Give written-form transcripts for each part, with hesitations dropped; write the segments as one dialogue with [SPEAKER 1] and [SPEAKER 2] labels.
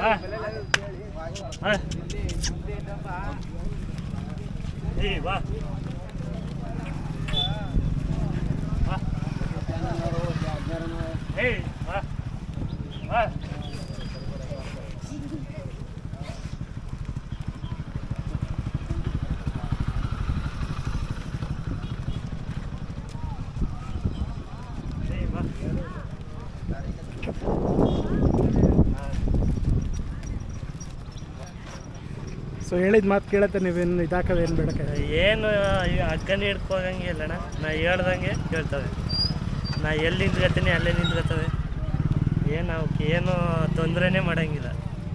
[SPEAKER 1] va. Hey, va. Va.
[SPEAKER 2] ಸೊ ಹೇಳಿದ ಮಾತು ಕೇಳತ್ತೆ, ನೀವೇನು ಇದಾಕವೇನು ಬೇಡ
[SPEAKER 1] ಏನು ಅಕ್ಕನೇ ಹಿಡ್ಕೋಗಂಗೆ ಇಲ್ಲಣ್ಣ. ನಾ ಹೇಳ್ದಂಗೆ ಕೇಳ್ತವೆ. ನಾ ಎಲ್ಲಿ ನಿಂತ್ಕೊತೀನಿ ಅಲ್ಲೇ ನಿಂತ್ಕೊತವೆ. ಏನು ಅವಕ್ಕೆ ಏನು ತೊಂದರೆನೇ ಮಾಡೋಂಗಿಲ್ಲ.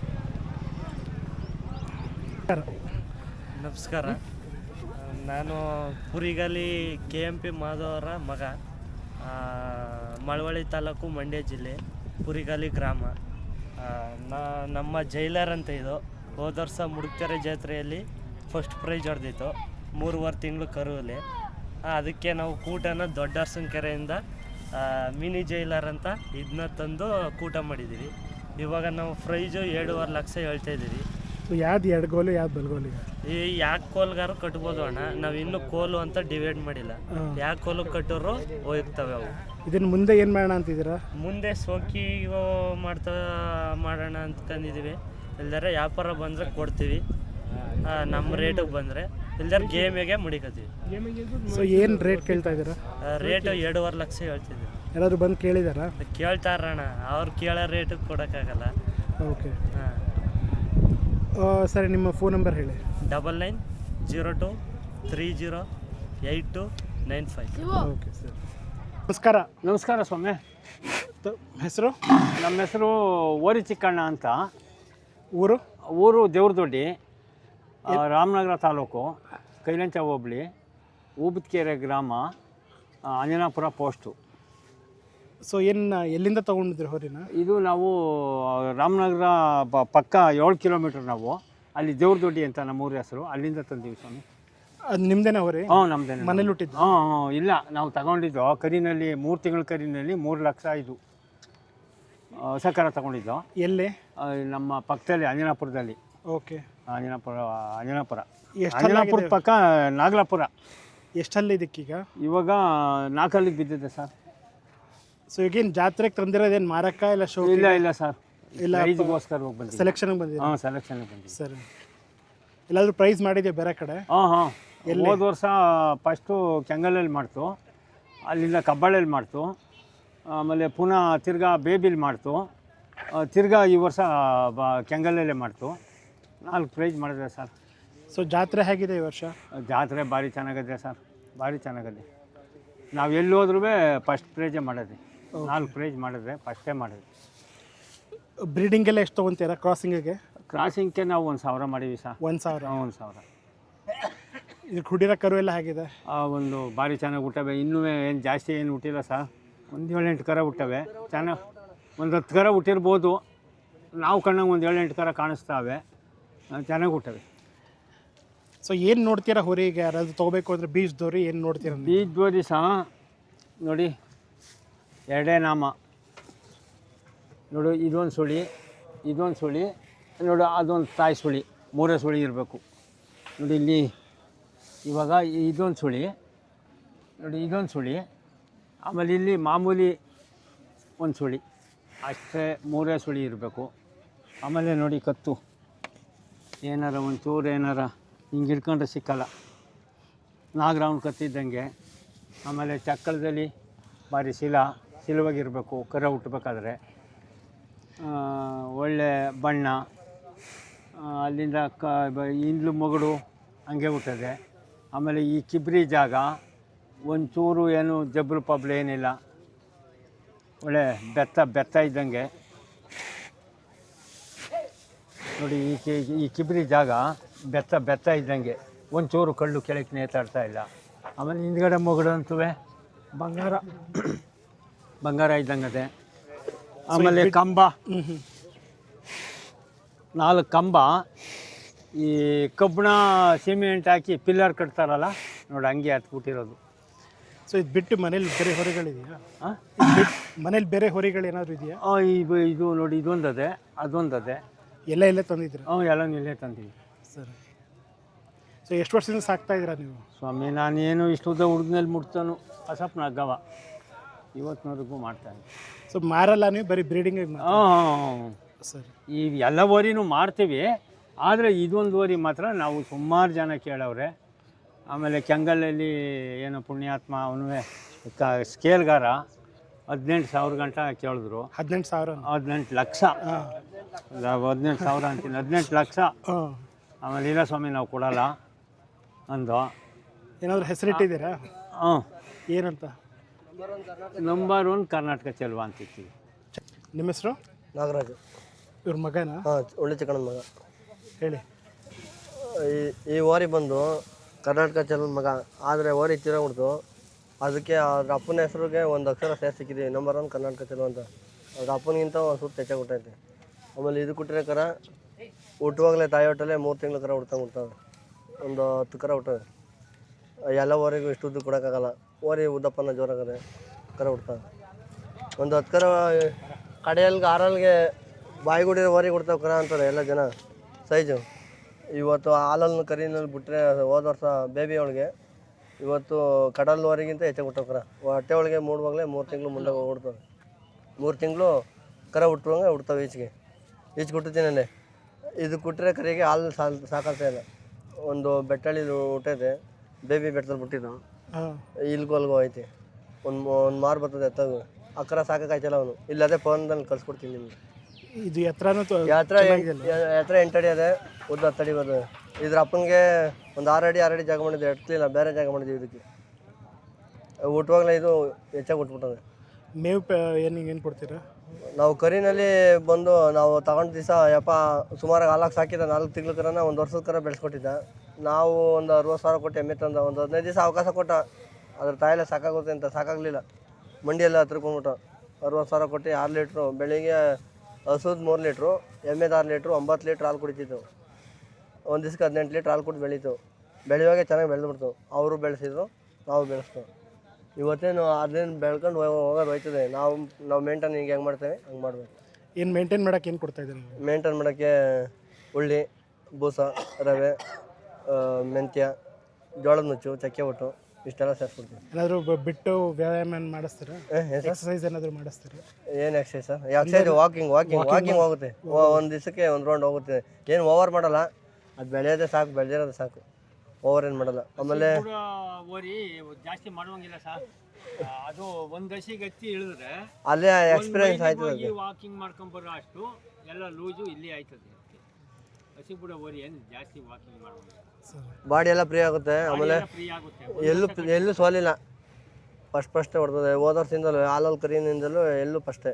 [SPEAKER 1] ನಮಸ್ಕಾರ. ನಾನು ಕುರಿಗಾಲಿ KMP ಮಾಧವರ ಮಗ. ಮಳವಳ್ಳಿ ತಾಲೂಕು, ಮಂಡ್ಯ ಜಿಲ್ಲೆ, ಕುರಿಗಾಲಿ ಗ್ರಾಮ. ನಮ್ಮ ಜೈಲರ್ ಅಂತ ಇದು. ಹೋದ ವರ್ಷ ಮುಡುಕ್ತೆರೆ ಜಾತ್ರೆಯಲ್ಲಿ ಫಸ್ಟ್ ಪ್ರೈಜ್ ಹೊಡೆದಿತ್ತು 3.5 ತಿಂಗಳು ಕರುವಲ್ಲಿ. ಅದಕ್ಕೆ ನಾವು ಕೂಟನ ದೊಡ್ಡರ್ಸನ ಕೆರೆಯಿಂದ ಮಿನಿ ಜೈಲರ್ ಅಂತ ಇದನ್ನ ತಂದು ಕೂಟ ಮಾಡಿದ್ದೀವಿ. ಇವಾಗ ನಾವು ಪ್ರೈಜು 7.5 ಲಕ್ಷ ಹೇಳ್ತಾಯಿದ್ದೀವಿ.
[SPEAKER 2] ಯಾವ್ದು ಎಡಗೋಲು ಯಾವ್ದು ಬಲಗೋಲು?
[SPEAKER 1] ಈ ಯಾಕೆ ಕೋಲ್ಗಾರು ಕಟ್ಬೋದು ಅಣ್ಣ. ನಾವು ಇನ್ನೂ ಕೋಲು ಅಂತ ಡಿವೈಡ್ ಮಾಡಿಲ್ಲ. ಯಾಕೆ ಕೋಲು ಕಟ್ಟೋರು ಹೋಗ್ತವೆ ಅವು.
[SPEAKER 2] ಇದನ್ನು ಮುಂದೆ ಏನು ಮಾಡೋಣ ಅಂತಿದ್ದೀರಾ?
[SPEAKER 1] ಮುಂದೆ ಸೋಕಿ ಮಾಡೋಣ ಅಂದ್ಕೊಂಡಿದ್ದೀವಿ. ಇಲ್ದಾರೆ ವ್ಯಾಪಾರ ಬಂದರೆ ಕೊಡ್ತೀವಿ, ನಮ್ಮ ರೇಟಿಗೆ ಬಂದರೆ. ಇಲ್ದಾರೆ ಗೇಮಿಗೆ ಮುಡಿಕತ್ತೀವಿ.
[SPEAKER 2] ಸೊ ಏನು ರೇಟ್ ಕೇಳ್ತಾ ಇದ್ದೀರಾ?
[SPEAKER 1] ರೇಟು 2.5 ಲಕ್ಷ ಹೇಳ್ತಿದ್ದೀವಿ.
[SPEAKER 2] ಯಾರಾದರೂ ಬಂದು ಕೇಳಿದಾರಾ?
[SPEAKER 1] ಕೇಳ್ತಾರಣ್ಣ. ಅವ್ರು ಕೇಳೋ ರೇಟಿಗೆ ಕೊಡೋಕ್ಕಾಗಲ್ಲ.
[SPEAKER 2] ಓಕೆ, ಸರಿ. ನಿಮ್ಮ ಫೋನ್ ನಂಬರ್ ಹೇಳಿ.
[SPEAKER 1] 9902308295.
[SPEAKER 2] ಓಕೆ ಸರ್, ನಮಸ್ಕಾರ.
[SPEAKER 3] ನಮಸ್ಕಾರ ಸ್ವಾಮಿ.
[SPEAKER 2] ಹೆಸರು?
[SPEAKER 3] ನಮ್ಮ ಹೆಸರು ಓರಿ ಚಿಕ್ಕಣ್ಣ ಅಂತ.
[SPEAKER 2] ಊರು
[SPEAKER 3] ದೇವ್ರದೊಡ್ಡಿ, ರಾಮನಗರ ತಾಲೂಕು, ಕೈಲಂಚ ಹೋಬಳಿ, ಊಬತ್ಕೆರೆ ಗ್ರಾಮ, ಅಂಜನಾಪುರ ಪೋಸ್ಟು.
[SPEAKER 2] ಸೊ ಎಲ್ಲಿಂದ ತೊಗೊಂಡಿದ್ರಿ ಹೋರಿನ?
[SPEAKER 3] ಇದು ನಾವು ರಾಮನಗರ ಪಕ್ಕ 7 ಕಿಲೋಮೀಟ್ರ್. ನಾವು ಅಲ್ಲಿ ದೇವ್ರದೊಡ್ಡಿ ಅಂತ ನಮ್ಮ ಊರ ಹೆಸರು. ಅಲ್ಲಿಂದ ತಂದೀವಿ ಸ್ವಾಮಿ.
[SPEAKER 2] ಅದು ನಿಮ್ಮದೇನ ಹೋರಿ?
[SPEAKER 3] ನಮ್ಮದೇನೆ.
[SPEAKER 2] ಮನೇಲಿ ಹುಟ್ಟಿದ್ದು?
[SPEAKER 3] ಇಲ್ಲ, ನಾವು ತಗೊಂಡಿದ್ದು ಕರಿನಲ್ಲಿ 3 ತಿಂಗಳ ಕರಿನಲ್ಲಿ 3 ಲಕ್ಷ ಇದು ಹೊಸ ಕರ ತಗೊಂಡಿದ್ದು.
[SPEAKER 2] ಎಲ್ಲಿ?
[SPEAKER 3] ನಮ್ಮ ಪಕ್ಕದಲ್ಲಿ ಅಂಜನಾಪುರದಲ್ಲಿ.
[SPEAKER 2] ಓಕೆ,
[SPEAKER 3] ಅಂಜನಾಪುರ ಪಕ್ಕ ನಾಗಲಾಪುರ.
[SPEAKER 2] ಎಷ್ಟಲ್ಲಿ ಇದಕ್ಕೀಗ?
[SPEAKER 3] ಇವಾಗ 4 ಅಲ್ಲಿಗೆ ಬಿದ್ದಿದೆ ಸರ್.
[SPEAKER 2] ಸೊ ಈಗೇನು ಜಾತ್ರೆಗೆ ತಂದಿರೋದೇನು ಮಾರಕ್ಕ ಇಲ್ಲ ಶೋ?
[SPEAKER 3] ಇಲ್ಲ ಸರ್, ಇಲ್ಲ, ಪ್ರೈಸ್ಗೋಸ್ಕರ ಹೋಗಿ ಬಂದಿದ್ದೀವಿ.
[SPEAKER 2] ಸೆಲೆಕ್ಷನ್ಗೆ ಬಂದಿದ್ದೀವಿ?
[SPEAKER 3] ಸೆಲೆಕ್ಷನ್ಗೆ ಬಂದಿದ್ದೀವಿ.
[SPEAKER 2] ಸರಿ. ಎಲ್ಲಾದರೂ ಪ್ರೈಸ್ ಮಾಡಿದ್ದೀವಿ ಬೇರೆ ಕಡೆ?
[SPEAKER 3] ಹೋದ ವರ್ಷ ಫಸ್ಟು ಕೆಂಗಲಲ್ಲಿ ಮಾಡ್ತು, ಅಲ್ಲಿಂದ ಕಬ್ಬಾಳಲ್ಲಿ ಮಾಡ್ತು, ಆಮೇಲೆ ಪುನಃ ತಿರ್ಗಾ ಬೇಬಿಲಿ ಮಾಡ್ತು, ತಿರ್ಗಾ ಈ ವರ್ಷ ಕೆಂಗಲಲ್ಲೇ ಮಾಡ್ತು. 4 ಪ್ರೈಸ್ ಮಾಡಿದೆ ಸರ್.
[SPEAKER 2] ಸೊ ಜಾತ್ರೆ ಹೇಗಿದೆ ಈ ವರ್ಷ?
[SPEAKER 3] ಜಾತ್ರೆ ಭಾರಿ ಚೆನ್ನಾಗಿದೆ ಸರ್, ಭಾರಿ ಚೆನ್ನಾಗಿದೆ. ನಾವು ಎಲ್ಲಿ ಹೋದ್ರೂ ಫಸ್ಟ್ ಪ್ರೈಜೇ ಮಾಡೋದು. 4 ಪ್ರೈಸ್ ಮಾಡಿದ್ರೆ ಫಸ್ಟೇ ಮಾಡೋದು.
[SPEAKER 2] ಬ್ರೀಡಿಂಗೆಲ್ಲ ಎಷ್ಟು ತೊಗೊತೀರಾ ಕ್ರಾಸಿಂಗಿಗೆ?
[SPEAKER 3] ಕ್ರಾಸಿಂಗ್ಗೆ ನಾವು 1,000 ಮಾಡೀವಿ ಸರ್.
[SPEAKER 2] 1,000?
[SPEAKER 3] 1,000.
[SPEAKER 2] ಇದು ಹುಡಿರೋ ಕರು ಎಲ್ಲ ಹೇಗಿದೆ?
[SPEAKER 3] ಒಂದು ಭಾರಿ ಚೆನ್ನಾಗಿ ಹುಟ್ಟವೆ. ಇನ್ನೂ ಏನು ಜಾಸ್ತಿ ಏನು ಹುಟ್ಟಿಲ್ಲ ಸರ್. ಒಂದು 7-8 ಕರ ಹುಟ್ಟವೆ. ಚೆನ್ನಾಗಿ ಒಂದು 10 ಕರ ಹುಟ್ಟಿರ್ಬೋದು. ನಾವು ಕಣ್ಣಾಗ ಒಂದು 7-8 ಕರ ಕಾಣಿಸ್ತಾವೆ. ಚೆನ್ನಾಗಿ ಹುಟ್ಟವೆ.
[SPEAKER 2] ಸೊ ಏನು ನೋಡ್ತೀರಾ ಹೊರಿಗೆ? ಯಾರಾದ್ರು ತೊಗೋಬೇಕು ಅಂದರೆ ಬೀಜದವ್ರಿ ಏನು ನೋಡ್ತೀರಾ?
[SPEAKER 3] ಬೀಜದವ್ರಿ ಸಹ ನೋಡಿ, 2 ನಾಮ ನೋಡು. ಇದೊಂದು ಸುಳಿ, ಇದೊಂದು ಸುಳಿ ನೋಡು, ಅದೊಂದು ತಾಯಿ ಸುಳಿ. 3 ಸುಳಿ ಇರಬೇಕು ನೋಡಿ. ಇಲ್ಲಿ ಇವಾಗ ಇದೊಂದು ಸುಳಿ ನೋಡಿ, ಇದೊಂದು ಸುಳಿ. ಆಮೇಲೆ ಇಲ್ಲಿ ಮಾಮೂಲಿ ಒಂದು ಸುಳಿ, ಅಷ್ಟೇ 3 ಸುಳಿ ಇರಬೇಕು. ಆಮೇಲೆ ನೋಡಿ ಕತ್ತು ಏನಾರ ಒಂಚೂರು ಏನಾರ ಹಿಂಗೆ ಹಿಡ್ಕೊಂಡ್ರೆ ಸಿಕ್ಕಲ್ಲ, ನಾಗರಾವನ ಕತ್ತಿದ್ದಂಗೆ. ಆಮೇಲೆ ಚಕ್ಕಳದಲ್ಲಿ ಭಾರಿ ಸಿಲುವಾಗಿರಬೇಕು ಕರ ಹುಟ್ಟಬೇಕಾದ್ರೆ. ಒಳ್ಳೆ ಬಣ್ಣ, ಅಲ್ಲಿಂದ ಇಂದ್ಲು ಮಗಳು ಹಂಗೆ ಹುಟ್ಟದೆ. ಆಮೇಲೆ ಈ ಕಿಬ್ರಿ ಜಾಗ ಒಂಚೂರು ಏನು ಜಬ್ರು ಪಬ್ಲು ಏನಿಲ್ಲ, ಒಳ್ಳೆ ಬೆತ್ತ ಇದ್ದಂಗೆ ನೋಡಿ. ಈ ಕಿಬ್ರಿ ಜಾಗ ಬೆತ್ತ ಇದ್ದಂಗೆ, ಒಂಚೂರು ಕಳ್ಳು ಕೆಳಕ್ಕೆ ನೇತಾಡ್ತಾ ಇಲ್ಲ. ಆಮೇಲೆ ಹಿಂದ್ಗಡೆ ಮಗಳು ಅಂತೂ ಬಂಗಾರ ಇದ್ದಂಗದೆ. ಆಮೇಲೆ ಕಂಬ 4 ಕಂಬ, ಈ ಕಬ್ಬಣ ಸಿಮೆಂಟ್ ಹಾಕಿ ಪಿಲ್ಲರ್ ಕಟ್ತಾರಲ್ಲ ನೋಡಿ, ಹಂಗೆ ಹತ್ಬಿಟ್ಟಿರೋದು.
[SPEAKER 2] ಸೊ ಇದು ಬಿಟ್ಟು ಮನೇಲಿ ಬೇರೆ ಹೊರೆಗಳಿದೆಯಾ? ಮನೇಲಿ ಬೇರೆ ಹೊರೆಗಳು ಏನಾದರೂ ಇದೆಯಾ?
[SPEAKER 3] ಇದು ನೋಡಿ, ಇದೊಂದದೆ, ಅದೊಂದದೆ.
[SPEAKER 2] ಎಲ್ಲೇ ತಂದಿದ್ದೀರಾ?
[SPEAKER 3] ಎಲ್ಲ ಇಲ್ಲೇ ತಂದೀವಿ.
[SPEAKER 2] ಸರಿ. ಸೊ ಎಷ್ಟು ವರ್ಷದಿಂದ ಸಾಕ್ತಾ ಇದ್ದೀರಾ ನೀವು?
[SPEAKER 3] ಸ್ವಾಮಿ ನಾನೇನು ಇಷ್ಟುದ್ದ ಹುಡುಗನಲ್ಲಿ ಮುಟ್ತಾನು ಹಸಪ್ನ ಅಗ್ಗವ ಇವತ್ತಿನವರೆಗೂ ಮಾಡ್ತಾನೆ.
[SPEAKER 2] ಸೊ ಮಾರಲ್ಲ ನೀವು, ಬರೀ ಬ್ರೀಡಿಂಗ್?
[SPEAKER 3] ಹಾಂ
[SPEAKER 2] ಸರಿ.
[SPEAKER 3] ಈ ಎಲ್ಲ ಓರಿನೂ ಮಾಡ್ತೀವಿ, ಆದರೆ ಇದೊಂದು ಓರಿ ಮಾತ್ರ ನಾವು ಸುಮಾರು ಜನ ಕೇಳವ್ರೆ. ಆಮೇಲೆ ಕೆಂಗಲಲ್ಲಿ ಏನೋ ಪುಣ್ಯಾತ್ಮ ಅವನು ಸ್ಕೇಲ್ಗಾರ 18,000 ಗಂಟ ಕೇಳಿದ್ರು.
[SPEAKER 2] 18,000?
[SPEAKER 3] 18 ಲಕ್ಷ. 18,000 ಅಂತೀನಿ, 18 ಲಕ್ಷ. ಆಮೇಲೆ ಇಲ್ಲ ಸ್ವಾಮಿ ನಾವು ಕೊಡಲ್ಲ ಅಂದು.
[SPEAKER 2] ಏನಾದರೂ ಹೆಸರಿಟ್ಟಿದ್ದೀರಾ?
[SPEAKER 3] ಹಾಂ.
[SPEAKER 2] ಏನಂತ?
[SPEAKER 3] ನಂಬರ್ 1 ಕರ್ನಾಟಕ ಚೆಲ್ವ ಅಂತಿರ್ತೀವಿ.
[SPEAKER 2] ನಿಮ್ಮ ಹೆಸರು?
[SPEAKER 4] ನಾಗರಾಜು.
[SPEAKER 2] ಇವ್ರ ಮಗನಾ?
[SPEAKER 4] ಹಾಂ, ಒಳ್ಳೆ ಚಿಕ್ಕಣ್ಣನ ಮಗ.
[SPEAKER 2] ಹೇಳಿ.
[SPEAKER 4] ಈ ಓರಿ ಬಂದು ಕರ್ನಾಟಕ ಚೆಲುವನ ಮಗ, ಆದರೆ ಓರಿ ತಿರೋಗ್ಬಿಡ್ತು. ಅದಕ್ಕೆ ಅವ್ರ ಅಪ್ಪನ ಹೆಸರಿಗೆ ಒಂದು ಅಕ್ಷರ ಸಿಕ್ಕಿದ್ದೀವಿ, ನಂಬರ್ 1 ಕರ್ನಾಟಕ ಚೆಲುವ ಅಂತ. ಅವ್ರ ಅಪ್ಪನಿಗಿಂತ ಒಂದು ಸುತ್ತ ಹೆಚ್ಚಾಗಿ ಹುಟ್ಟೈತೆ. ಆಮೇಲೆ ಇದು ಕೊಟ್ಟರೆ ಕರ ಹುಟ್ಟುವಾಗಲೇ ತಾಯಿ ಹೊಟ್ಟಲೆ 3 ತಿಂಗಳು ಕರ ಹುಡ್ತಾವೆ. ಒಂದು 10 ಕರ ಹುಟ್ಟವೆ. ಎಲ್ಲ ಓರಿಗೂ ಇಷ್ಟು ಉದ್ದು ಕೊಡೋಕ್ಕಾಗಲ್ಲ, ಓರಿ ಉದ್ದಪ್ಪನ ಜೋರಾಗದೆ ಕರ ಹುಡ್ತಾವೆ. ಒಂದು 10 ಕರ ಕಡೆಯಲ್ಗೆ 6 ಬಾಯಿಗುಡಿರೋ ಓರಿ ಕೊಡ್ತಾವೆ ಕರ ಅಂತಾರೆ ಎಲ್ಲ ಜನ ಸೈಜು. ಇವತ್ತು ಹಾಲನ್ನು ಕರಿನಲ್ಲಿ ಬಿಟ್ಟರೆ ಹೋದ ವರ್ಷ ಬೇಬಿ ಅವಳಿಗೆ ಇವತ್ತು ಕಡಲ್ವರೆಗಿಂತ ಹೆಚ್ಚಾಗಿ ಹುಟ್ಟವು ಕರ. ಹೊಟ್ಟೆ ಒಳಗೆ ಮೂಡುವಾಗಲೇ 3 ತಿಂಗಳು ಮುಂದೆ ಹುಡ್ತವೆ. 3 ತಿಂಗಳು ಕರ ಹುಟ್ಟುವಂಗೆ ಹುಡ್ತಾವೆ. ಈಚೆ ಕೊಟ್ಟಿದ್ದೀನಲ್ಲೇ ಇದು ಕೊಟ್ಟರೆ ಕರಿಗೆ ಹಾಲು ಸಾಕಾಗ್ತಾ ಇಲ್ಲ. ಒಂದು ಬೆಟ್ಟಳ್ಳಿ ಹುಟ್ಟೈತೆ, ಬೇಬಿ ಬೆಟ್ಟದಲ್ಲಿ ಬಿಟ್ಟಿದ್ದು, ಇಲ್ಗೋಲ್ಗೋ ಐತೆ. ಒಂದು ಮಾರು ಬರ್ತದೆ ಎತ್ತಾಗ. ಆ ಕರ ಸಾಕಾಯ್ತಲ್ಲ ಅವನು. ಇಲ್ಲದೇ ಫೋನ್ದಲ್ಲಿ ಕಳ್ಸ್ಕೊಡ್ತೀನಿ ನಿಮ್ಗೆ.
[SPEAKER 2] ಇದು ಎತ್ತರನೂ
[SPEAKER 4] ಎತ್ತರ 8 ಅಡಿ ಅದೇ, ಉದ್ದ 10 ಅಡಿ ಬರ್ತದೆ. ಇದ್ರ ಅಪ್ಪನಿಗೆ ಒಂದು 6 ಅಡಿ ಜಾಗ ಮಾಡಿದ್ದೆ, ಎಟ್ಲಿಲ್ಲ, ಬೇರೆ ಜಾಗ ಮಾಡಿದ್ವಿ ಇದಕ್ಕೆ. ಹುಟ್ಟುವಾಗಲೇ ಇದು ಹೆಚ್ಚಾಗಿ ಹುಟ್ಬಿಟ್ಟದೆ.
[SPEAKER 2] ಮೇವು ಏನು ಕೊಡ್ತೀರಾ?
[SPEAKER 4] ನಾವು ಕರಿನಲ್ಲಿ ಬಂದು ನಾವು ತಗೊಂಡ ದಿವಸ ಯಪ್ಪ ಸುಮಾರು ಹಾಲಾಗಿ ಸಾಕಿದ್ದ 4 ತಿಂಗಳ ಕರನ 1 ವರ್ಷದ ಕರ ಬೆಳೆಸ್ಕೊಟ್ಟಿದ್ದ. ನಾವು ಒಂದು 60,000 ಕೊಟ್ಟು ಎಮ್ಮೆ ತಂದ. ಒಂದು 15 ದಿವಸ ಅವಕಾಶ ಕೊಟ್ಟ, ಅದ್ರ ತಾಯಿಲೆ ಸಾಕಾಗುತ್ತೆ ಅಂತ. ಸಾಕಾಗಲಿಲ್ಲ, ಮಂಡಿಯೆಲ್ಲ ಹತ್ರಕೊಂಡ್ಬಿಟ್ಟು 60,000 ಕೊಟ್ಟು 6 ಲೀಟ್ರು ಬೆಳಿಗ್ಗೆ ಹಸುದು 3 ಲೀಟ್ರು, ಎಮ್ಮೆದು 6 ಲೀಟ್ರು, 9 ಲೀಟ್ರ್ ಹಾಲು ಕುಡಿತಿತ್ತು. ಒಂದು ದಿವ್ಸಕ್ಕೆ 18 ಲೀಟ್ರ್ ಹಾಲು ಕೊಟ್ಟು ಬೆಳೀತು. ಬೆಳೆಯುವಾಗೆ ಚೆನ್ನಾಗಿ ಬೆಳೆದ್ಬಿಡ್ತು. ಅವರು ಬೆಳೆಸಿದ್ರು, ನಾವು ಬೆಳೆಸ್ತೇವೆ. ಇವತ್ತೇನು ಅದೇನು ಬೆಳ್ಕೊಂಡು ಹೋಗೋದು ಹೋಯ್ತದೆ. ನಾವು ಮೇಂಟೈನ್ ಈಗ ಹೆಂಗೆ ಮಾಡ್ತೇವೆ ಹಂಗೆ ಮಾಡಬೇಕು.
[SPEAKER 2] ಏನು ಮೇಂಟೈನ್ ಮಾಡೋಕೆ ಏನು ಕೊಡ್ತಾಯಿದ್ದೀರಿ?
[SPEAKER 4] ಮೇಂಟೈನ್ ಮಾಡೋಕ್ಕೆ ಉಳ್ಳಿ, ಬೂಸ, ರವೆ, ಮೆಂತ್ಯ, ಜೋಳದ ನುಚ್ಚು, ಚಕ್ಕೆ ಒಟ್ಟು ಇಷ್ಟೆಲ್ಲ ಸೇರಿಸ್ಬಿಡ್ತೀವಿ.
[SPEAKER 2] ಏನಾದರೂ ಬಿಟ್ಟು ವ್ಯಾಯಾಮ ಮಾಡಿಸ್ತೀರಾ? ಎಕ್ಸಸೈಸ್ ಏನಾದರೂ ಮಾಡಿಸ್ತೀರಾ?
[SPEAKER 4] ಏನು ಎಕ್ಸಸೈಸ್ ಸರ್? ಎಕ್ಸಸೈಸ್ ವಾಕಿಂಗ್ ಹೋಗುತ್ತೆ. ಒಂದು ದಿವಸಕ್ಕೆ 1 ರೌಂಡ್ ಹೋಗುತ್ತೆ. ಏನು ಓವರ್ ಮಾಡಲ್ಲ, ಅದು ಬೆಳೆಯೋದೇ ಸಾಕು, ಬೆಳೆದಿರೋದೇ ಸಾಕು, ಓವರ್ ಏನು ಮಾಡಲ್ಲ. ಆಮೇಲೆ
[SPEAKER 3] ಓರಿ ಜಾಸ್ತಿ ಮಾಡುವಂಗಿಲ್ಲ ಸರ್. ಅದು ಒಂದು ಹಸಿಗೆ ಹತ್ತಿ ಇಳಿದ್ರೆ
[SPEAKER 4] ಅಲ್ಲೇ ಎಕ್ಸ್ಪೀರಿಯನ್ಸ್ ಆಯ್ತದೆ.
[SPEAKER 3] ವಾಕಿಂಗ್ ಮಾಡ್ಕೊಂಬರೋ ಅಷ್ಟು ಎಲ್ಲ ಲೂಜು ಇಲ್ಲಿ ಆಯ್ತದೆ. ಹಸಿ ಬಿಡೋ ಓರಿ ಏನು ಜಾಸ್ತಿ ವಾಕಿಂಗ್ ಮಾಡುವಂಗಿಲ್ಲ,
[SPEAKER 4] ಬಾಡಿ ಎಲ್ಲ ಫ್ರೀ ಆಗುತ್ತೆ. ಆಮೇಲೆ
[SPEAKER 3] ಫ್ರೀ ಆಗುತ್ತೆ,
[SPEAKER 4] ಎಲ್ಲೂ ಸೋಲಿಲ್ಲ. ಫಸ್ಟೇ ಹೊಡ್ತದೆ. ಹೋದ ವರ್ಷದಿಂದಲೂ ಹಾಲಲ್ಲಿ ಕರಿಯಿಂದಲೂ ಎಲ್ಲೂ ಫಸ್ಟೇ.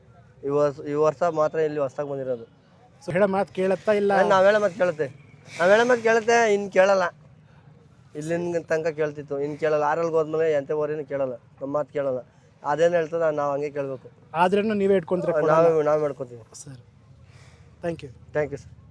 [SPEAKER 4] ಈ ವರ್ಷ ಮಾತ್ರ ಇಲ್ಲಿ ಹೊಸ್ದಾಗಿ ಬಂದಿರೋದು.
[SPEAKER 2] ಸೊ ಹೇಳೋ ಮಾತು ಕೇಳುತ್ತಾ ಇಲ್ಲ?
[SPEAKER 4] ನಾವು ಹೇಳೋ ಮಾತು ಕೇಳುತ್ತೆ, ಇನ್ನು ಕೇಳಲ್ಲ. ಇಲ್ಲಿನ ತನಕ ಕೇಳ್ತಿತ್ತು, ಇನ್ನು ಕೇಳಲ್ಲ. ಆರಲ್ಲಿ ಹೋದ್ಮೇಲೆ ಎಂಥ ಓರಿನೂ ಕೇಳಲ್ಲ, ನಮ್ಮ ಮಾತು ಕೇಳಲ್ಲ. ಅದೇನು ಹೇಳ್ತದೆ ನಾವು ಹಂಗೆ ಕೇಳಬೇಕು.
[SPEAKER 2] ಆದ್ರೂ ನೀವೇ ಇಟ್ಕೊಂತೀರ?
[SPEAKER 4] ನಾವು ಮಾಡ್ಕೊತೀವಿ.
[SPEAKER 2] Sir, thank you.
[SPEAKER 4] Thank you sir.